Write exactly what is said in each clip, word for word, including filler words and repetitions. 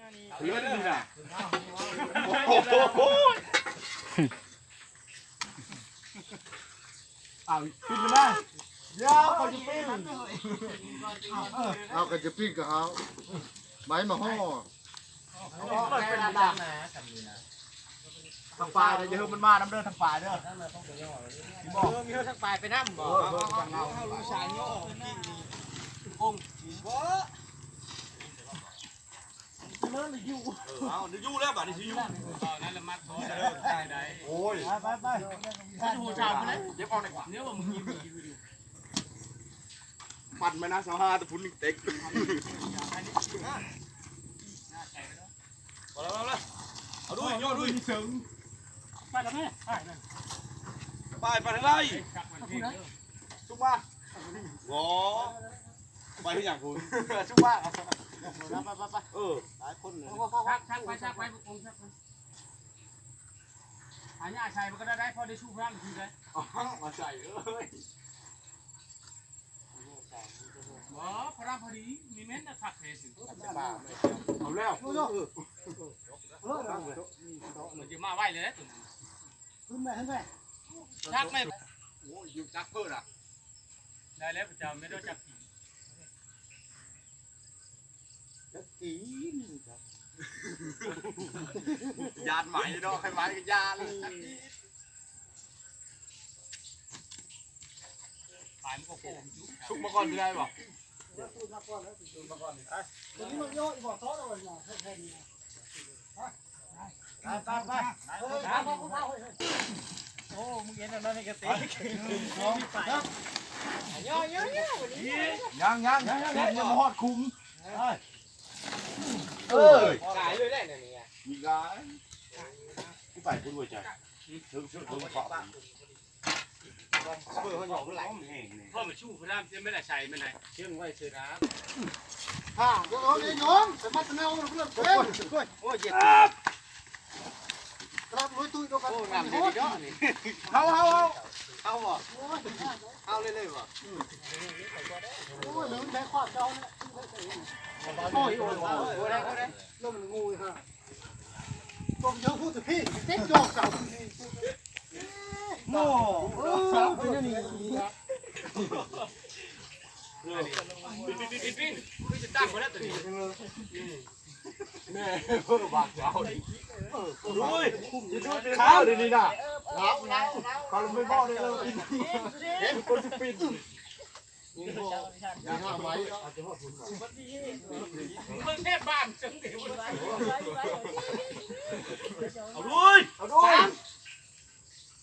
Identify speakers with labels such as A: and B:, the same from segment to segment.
A: เลือดนี่น่ะเอาปิ้งมาเดี๋ยวเขาจะปิ้ง
B: เอากันจะปิ้งกับเขาไม้มาห่อเป็นดำนะทางปลายนะอย่าเพิ่งมันมาน้ำเด้อทางปลายเด้อบอกมีเท่าทางปลายไปน้ำบอกเอาเอาลูกชายย่อกิ้งนี่องบ่เลิศเลยยู่เอาเดี๋ยวยู่แล้วบ่นี่สิยู่นั่นละมัดบ่ได้ได้โอ้ยไปไปไปหัวชาวไปเลยเดี๋ยวเอาดีกว่าเนี่ยว่ามึงยิงปั่นไหมนะสาวห้าตะพุนเต็กเอาแล้วเอาแล้วเอาด้วยย่อด้วยถึงไปแล้วแม่ไปไปทางไรชุบมาโง่ไปที่อย่างคุณชุบมาไปไปไปเออหลายคนเลยชักชักไปชักไปองชักไปหายาชัยมันก็ได้ได้พอได้ชูพลังทีเลยอ๋อมาใส่เอ้ยว้าพระรามพอดีมีเม้นนะขักเทสิเอาแล้วมันจะมาไหวเลยขึ้นไปขึ้นไปชักไหมโอ้ยอยู่จักเพื่ออะได้แล้วประจำไม่ต้องจับผีจับผีครับยานใหม่เนาะใครใหม่ก็ยานขายมันก็โกงชุบมาก่อนได้ป่ะชุบมาก่อนแล้วชุบมาก่อนไอ้ตอนนี้มันย่ออีบอกท้อแล้วเนี่ยแค่นี้ไปไปไปโอ้มึงเห็นแล้วนี่กระติกย่อย่อย่อยังยังยังยังยังมาหอดคุ้มเออขายเลยได้เนี่ยมีกายผู้ไปผู้รวยใจถึงถึงถึงขอบเพื่อเขาหยอกไหลพ่อมาชูพระรามเชื่อไม่ได้ใช่ไม่ได้เชื่อไว้เชื่อนะฮ่าโยนโยนสมัติแนวเพื่อนเพื่อนโอ้ยเจ็บครับลุยตุ้ยดูกันโอ้งามดีเนาะนี่เอาเอาเอาเอาบ่เอาเลยเลยบ่โอ้ยลืมใช้ขวดเจ้าเนี่ยโอ้ยโอ้ยโอ้ยได้ได้เริ่มงูเลยฮะตัวเยอะพูดถึงพี่เต็มจอกเก่าโม่สาวเป็นนี่ครับปิ้นปิ้นปิ้นปิ้นปิ้นจะตั้งมาแล้วตัวนี้แม่เพิ่มบางเจ้าดิรู้ยข้าวดีนี่น่ะครับเขาไม่บอกเลยเลยเห็นคนจะปิ้นอย่าห้ามไว้มึงแค่บ้านจังเดียวเอาด้วยเอาด้วย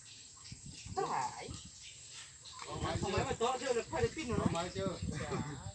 B: หายทำไมมาโต๊ะเจอเลยใครได้ปิ้นหรอทำไมเจอ